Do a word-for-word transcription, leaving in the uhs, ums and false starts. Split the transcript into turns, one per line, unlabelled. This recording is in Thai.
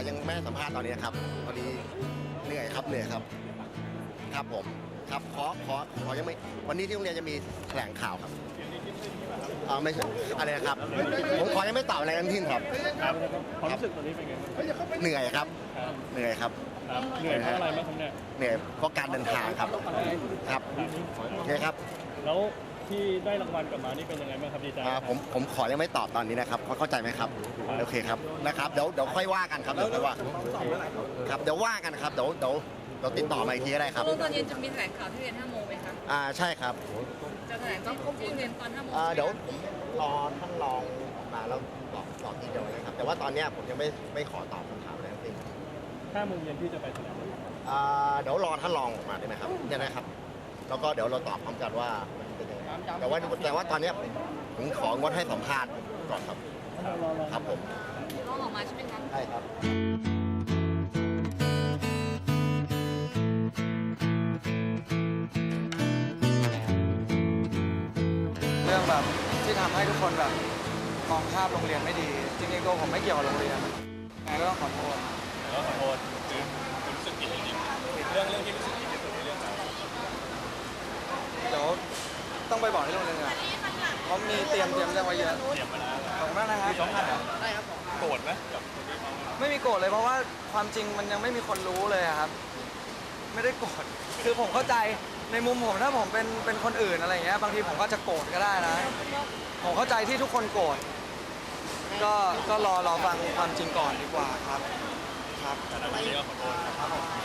ยังไม่ให้สัมภาษณ์ตอนนี้ครับตอนนี้เหนื่อยครับเหนื่อยครับครับผมครับขอขอขอยังไม่วันนี้ที่โรงเรียนจะมีแถลงข่าวครับอ่าไม่ใช่อะไรนะครับผมขอยังไม่ตอบอะไรทั้งสิ้นครับ
ครับความรู้สึกตอนนี้เป็นไงบ้าง
เหนื่อยครับ
ครับ
เหนื่อยครับ
ครับเหนื่อยเพราะอะไรบ้างครับเนี่ย
เหนื่อยเพราะการเดินทางครับครับโอเคครับ
แล้วที่ได้รางวัลกลับมานี่เป็นยังไงบ้างครับดีใจไหม
อ่า
ครับ
ผมผมขอยังไม่ตอบตอนนี้นะครับเข้าใจไหมครับโอเคครับนะครับเดี๋ยวเดี๋ยวค่อยว่ากันครับเดี๋ยวค่อยว่าครับเดี๋ยวว่ากันครับเดี๋ยวเดี๋ยวเดี๋ยวติดต่อมาอีกทีก็ได้ครับ
ตอนเย็นจะมีแถลงข่าวที่เรียนห้าโมงไหมคะ
อ่าใช่ครับ
จะแถลงที่ที่เรียนตอนห้าโมง
อ่าเดี๋ยวผมรอท่านรองออกมาแล้วตอบตอบทีเดียวนะครับแต่ว่าตอนเนี้ยผมยังไม่ไม่ขอตอบคำถามอะไรทั้งสิ้น
ห้าโมงเย็นที่จะไปแถลง
อ่าเดี๋ยวรอท่านรองออกมาได้ไหมครับได้ไหมครับแล้วก็เดี๋ยวเราตอบพร้อมกันว่ามันเป็นยังไงแต่ว่าแต่ว่าตอนเนี้ยผมผมของงดให้สัมภาษณ์ก่อนครับครับผม
น้องออกมาใช่ไหมคะ
ใช่ครับ
เรื่องแบบที่ทำให้ทุกคนแบบมองภาพโรงเรียนไม่ดี จริงๆตัวผมไม่เกี่ยวกับโรงเรียนไงก็ต้องขอโทษ
แล้วขอโทษคือรู้สึกผิดจริงๆเรื่องเรื่องที่รู้สึกผิดที่สุดในเรื่องอะไร
เดี๋ยวต้องไปบอกที่โรงเรียนก่อนเพราะมีเตรียมเตรียมเรื่องไว้เยอะ
เตรียมมาแล้ว
ขอบคุณมากนะครับ
สองพันเหรอได้ครับโกรธไหมกับคนที่เขา
ไม่มีโกรธเลยเพราะว่าความจริงมันยังไม่มีคนรู้เลยอะครับ ไม่ได้โกรธคือผมเข้าใจในมุมผมถ้าผมเป็นเป็นคนอื่นอะไรอย่างเงี้ยบางทีผมก็จะโกรธก็ได้นะ ผมเข้าใจที่ทุกคนโกรธก็ก็รอรอฟังความจริงก่อนดีกว่าครับครับ
แต่ตอนนี้ก็ขอโทษ
ครับผม